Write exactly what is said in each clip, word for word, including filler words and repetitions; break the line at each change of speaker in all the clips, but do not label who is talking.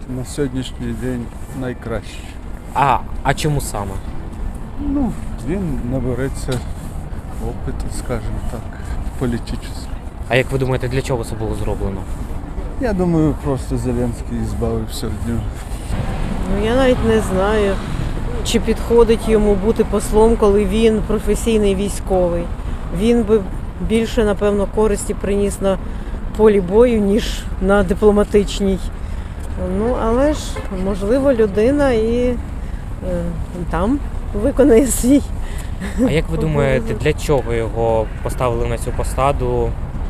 на сьогоднішній день найкращий.
А, а чому саме?
Ну, він набереться опиту, скажімо так, політичного.
А як ви думаєте, для чого це було зроблено?
Я думаю, просто Зеленський збавився від нього.
Ну, я навіть не знаю, чи підходить йому бути послом, коли він професійний військовий. Він би більше, напевно, користі приніс на полі бою, ніж на дипломатичній. Ну, але ж, можливо, людина і е, там виконає свій.
А як ви думаєте, для чого його поставили на цю посаду?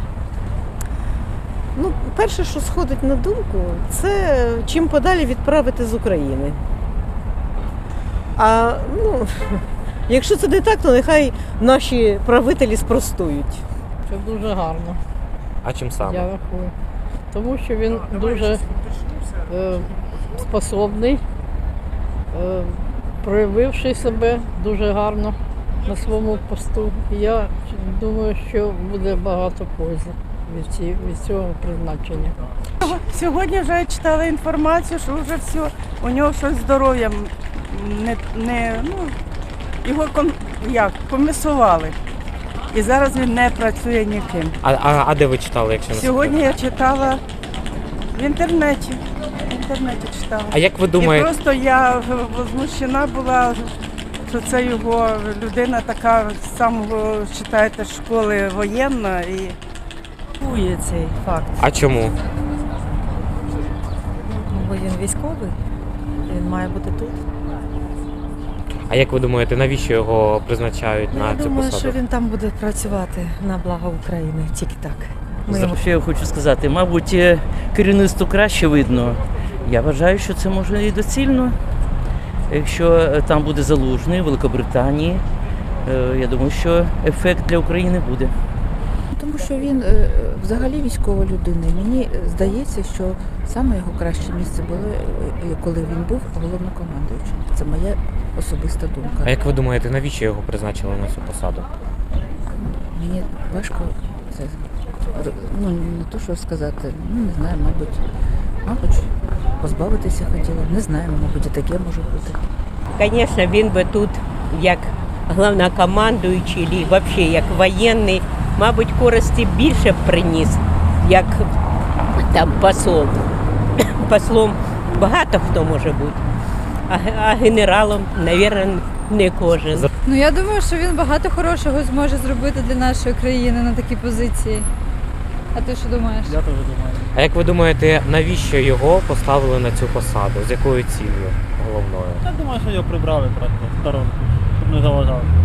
Ну, перше, що сходить на думку, це чим подалі відправити з України. А ну, якщо це не так, то нехай наші правителі спростують.
Це дуже гарно,
А чим саме?
я рахую. Тому що він дуже е, способний, е, проявивши себе дуже гарно на своєму посту. І я думаю, що буде багато пользи від, ці, від цього призначення.
Сьогодні вже читала інформацію, що вже все, у нього щось з здоров'ям не, не ну, його ком, як, комісували. І зараз він не працює ніким.
А, а, а де ви читали, якщо не
Сьогодні
секрет?
я читала в інтернеті. В інтернеті читала.
А як ви
І
думаєте,
просто я возмущена була, що це його людина така з самого, читаєте, школи воєнна. І
Є цей факт,
а чому?
бо він військовий, він має бути тут.
А як ви думаєте, навіщо його призначають
Ну,
на
я
цю
думаю,
посаду?
що він там буде працювати на благо України, тільки так. Ми йому
Що я хочу сказати, мабуть, керівництву краще видно. Я вважаю, що це може і доцільно. Якщо там буде Залужний, Великобританії, е, я думаю, що ефект для України буде.
Тому що він е, взагалі військова людина. Мені здається, що саме його краще місце було, е, коли він був головнокомандуючим. Це моя особиста
А
думка.
як ви думаєте, навіщо його призначили на цю посаду?
Мені важко це ну, не то, що сказати, ну не знаю, мабуть, мабуть, позбавитися хотіла. Не знаю, мабуть, і таке може бути.
Звісно, він би тут, як головнокомандуючий, чи взагалі як воєнний, мабуть, користі більше б приніс, як там посол. Послом багато хто може бути, а, а генералом, мабуть, не кожен.
Ну, я думаю, що він багато хорошого зможе зробити для нашої країни на такій позиції. А ти що думаєш?
Я теж думаю.
А як ви думаєте, навіщо його поставили на цю посаду? З якою ціллю головною?
Я думаю, що його прибрали просто в сторонку, щоб не заважав.